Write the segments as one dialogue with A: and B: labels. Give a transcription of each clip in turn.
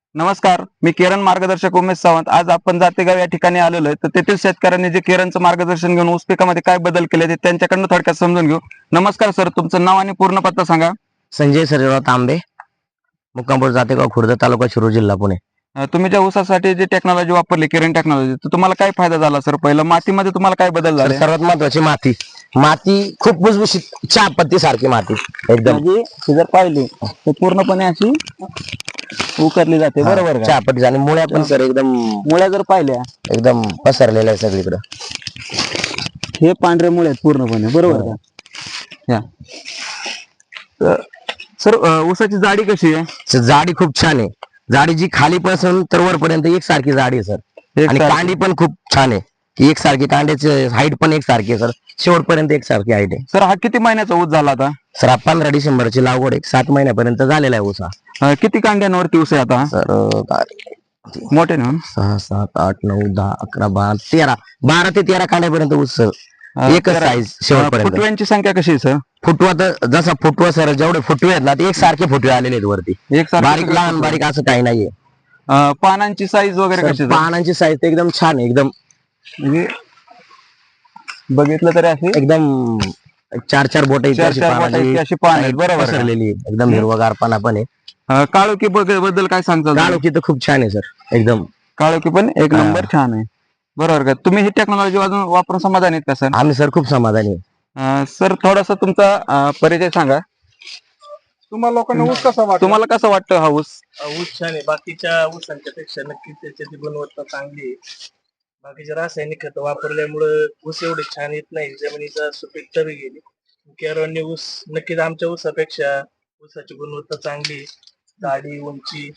A: नमस्कार, मी किरण मार्गदर्शक उमेश सावंत. आज आपण जातेगाव या ठिकाणी आलेलो आहे. तर तेथील शेतकऱ्यांनी जे किरणचं मार्गदर्शन घेऊन ऊस पिकामध्ये काय बदल केले ते त्यांच्याकडनं थोडक्यात समजून घेऊ. नमस्कार सर, तुमचं नाव आणि पूर्ण पत्ता सांगा.
B: संजय सर्जेराव तांबे, मुक्कामपूर जातेगाव, खुर्द, तालुका शिरूर, जिल्हा पुणे.
A: तुम्ही ज्या ऊसासाठी जी टेक्नॉलॉजी वापरली, किरण टेक्नॉलॉजी, तर तुम्हाला काय फायदा झाला सर? पहिलं मातीमध्ये तुम्हाला काय बदल
B: तर
A: झाले?
B: सर्वात महत्वाची माती. माती खूप भुसभुशीत चहा पत्ती सारखी माती एकदम.
A: म्हणजे ती जर पाहिली तर पूर्णपणे अशी उकरली जाते, बरोबर का?
B: चहा पत्ती आणि मुळ्या पण सर एकदम
A: मुळ्या जर पाहिल्या
B: एकदम पसरलेल्या आहे सगळीकडे.
A: हे पांढरे मुळे आहेत पूर्णपणे, बरोबर का? या तर सर, ऊसाची जाडी कशी आहे?
B: सर, जाडी खूप छान आहे. जाडी जी खालीपासून तर वरपर्यंत एकसारखी जाडी आहे सर. आणि कांडी पण खूप छान आहे की एकसारखी. कांड्याची हाईट पण एकसारखी आहे सर, शेवटपर्यंत एकसारखी हाईट आहे.
A: सर, हा किती महिन्याचा ऊस झाला आता?
B: सर, 15 डिसेंबरची लागवड आहे, 7 महिन्यापर्यंत झालेला आहे ऊसा.
A: किती कांड्यांवरती ऊस आहे आता?
B: सर
A: मोठे ना?
B: 6, 7, 8, 9, 10, 11, 12, 13, 12 ते 13 कांड्यापर्यंत ऊस एकच साईज शेवटपर्यंत.
A: फुटव्यांची संख्या कशी आहे सर?
B: फुटवा तर जसा फुटवा सर जेवढे फुटवे आहेत ना ते एकसारखे फुटवे आलेले आहेत वरती. बारीक लहान बारीक असं काही नाहीये.
A: पानांची साईज वगैरे कशी आहे?
B: पानांची साईज एकदम छान आहे. एकदम
A: म्हणजे बघितलं तरी अशी
B: एकदम 4-4 बोट
A: अशी पान आहेत, बरोबर का?
B: पसरलेली एकदम हिरवगार पाना पण आहे.
A: काळोखी बद्दल काय सांगता?
B: काळोखी तर खूप छान आहे सर एकदम.
A: काळोखी पण एक नंबर छान आहे, बरोबर का? तुम्ही ही टेक्नॉलॉजी वापरून समाधानी आहेत का सर?
B: आम्ही सर खूप समाधानी आहे.
A: सर, थोडासा तुमचा परिचय सांगा.
C: तुम्हाला लोकांना ऊस कसा वाटतो?
A: तुम्हाला कसं वाटतं हा ऊस?
C: ऊस छान आहे. बाकीच्या ऊसांच्या पेक्षा नक्कीच त्याची गुणवत्ता चांगली आहे. बाकीचे रासायनिक खत वापरल्यामुळे ऊस एवढे छान येत नाही, जमिनीचा सुपीकता बी गेली. केरळने ऊस नक्कीच आमच्या ऊसापेक्षा ऊसाची गुणवत्ता चांगली, जाडी, उंची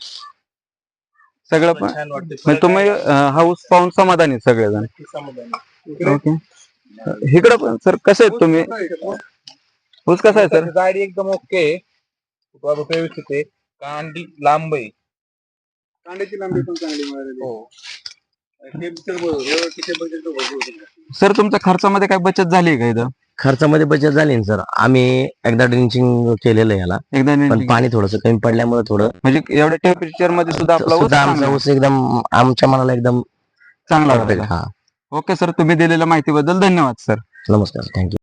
A: सगळं पण
C: छान वाटते.
A: म्हणजे तुम्ही हा ऊस पाहून समाधानी आहेत सगळेजण?
C: नक्की समाधानी.
A: ओके. इकडं पण सर, कसे आहेत तुम्ही? ऊस कसा आहे सर?
C: जाडी एकदम ओके, व्यवस्थित आहे. कांडी लांब आहे, कांड्याची लांबी पण चांगली मिळालेली. हो.
A: सर, तुमच्या खर्चामध्ये काय बचत झाली का इथं?
B: खर्चामध्ये बचत झाली ना सर. आम्ही एकदा ड्रिंचिंग केलेलं आहे याला,
A: एकदा
B: पण पाणी थोडंसं कमी पडल्यामुळे थोडं
A: म्हणजे एवढ्या टेम्परेचर मध्ये सुद्धा आपला ऊस
B: सुद्धा आमचा
A: चांगला
B: ऊस एकदम आमच्या मनाला एकदम
A: चांगला
B: perfect.
A: वाटला.
B: हा,
A: ओके सर, तुम्ही दिलेल्या माहितीबद्दल धन्यवाद सर.
B: नमस्कार, थँक्यू.